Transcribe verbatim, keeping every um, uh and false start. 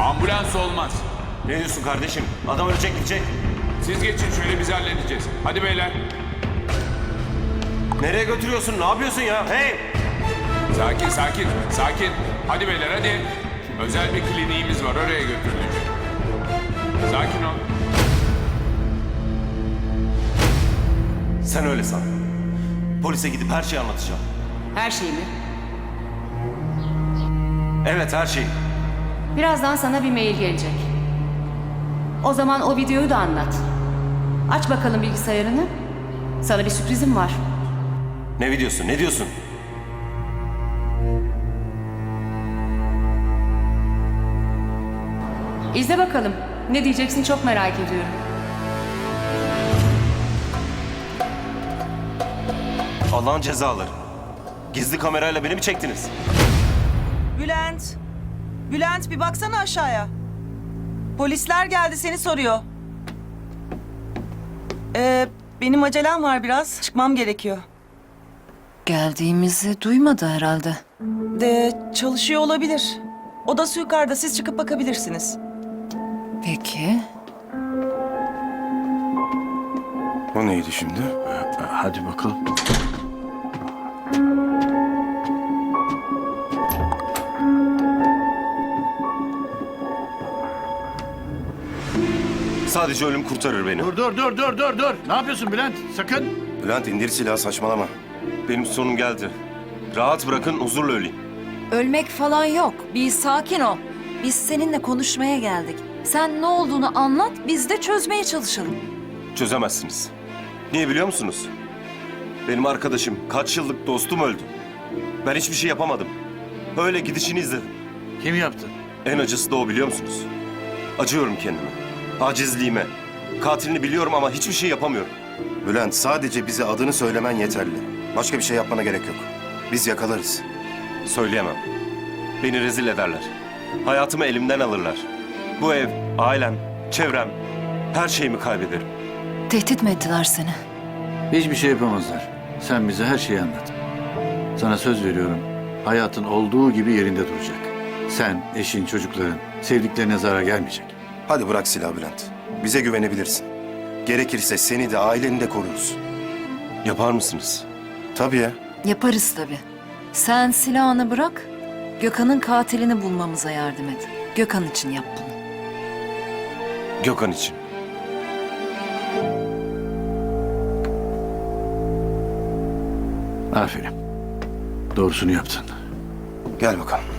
Ambulans olmaz. Ne diyorsun kardeşim? Adam ölecek gidecek. Siz geçin şöyle, biz halledeceğiz. Hadi beyler. Nereye götürüyorsun? Ne yapıyorsun ya? Hey! Sakin sakin sakin. Hadi beyler hadi. Özel bir kliniğimiz var, oraya götürülecek. Sakin ol. Sen öyle san. Polise gidip her şeyi anlatacağım. Her şey mi? Evet, her şeyi. Birazdan sana bir mail gelecek. O zaman o videoyu da anlat. Aç bakalım bilgisayarını. Sana bir sürprizim var. Ne videosu? Ne diyorsun? İzle bakalım. Ne diyeceksin çok merak ediyorum. Allah'ın cezaları. Gizli kamerayla beni mi çektiniz? Bülent. Bülent bir baksana aşağıya. Polisler geldi seni soruyor. Ee, benim acelem var biraz. Çıkmam gerekiyor. Geldiğimizi duymadı herhalde. De çalışıyor olabilir. Odası yukarıda, siz çıkıp bakabilirsiniz. Peki. O neydi şimdi? Hadi bakalım. Sadece ölüm kurtarır beni. Dur dur dur dur dur dur. Ne yapıyorsun Bülent? Sakın. Bülent indir silahı, saçmalama. Benim sonum geldi. Rahat bırakın, huzurla öleyim. Ölmek falan yok. Bir sakin ol. Biz seninle konuşmaya geldik. Sen ne olduğunu anlat, biz de çözmeye çalışalım. Çözemezsiniz. Niye biliyor musunuz? Benim arkadaşım, kaç yıllık dostum öldü. Ben hiçbir şey yapamadım. Öyle gidişini izledim. Kim yaptı? En acısı da o, biliyor musunuz? Acıyorum kendime. Acizliğime. Katilini biliyorum ama hiçbir şey yapamıyorum. Bülent, sadece bize adını söylemen yeterli. Başka bir şey yapmana gerek yok. Biz yakalarız. Söyleyemem. Beni rezil ederler. Hayatımı elimden alırlar. Bu ev, ailem, çevrem, her şeyimi kaybederim. Tehdit mi ettiler seni? Hiçbir şey yapamazlar. Sen bize her şeyi anlat. Sana söz veriyorum. Hayatın olduğu gibi yerinde duracak. Sen, eşin, çocukların, sevdiklerine zarar gelmeyecek. Hadi bırak silahı Bülent. Bize güvenebilirsin. Gerekirse seni de aileni de koruruz. Yapar mısınız? Tabii ya. Yaparız tabii. Sen silahını bırak, Gökhan'ın katilini bulmamıza yardım et. Gökhan için yap bunu. Gökhan için. Aferin. Doğrusunu yaptın. Gel bakalım.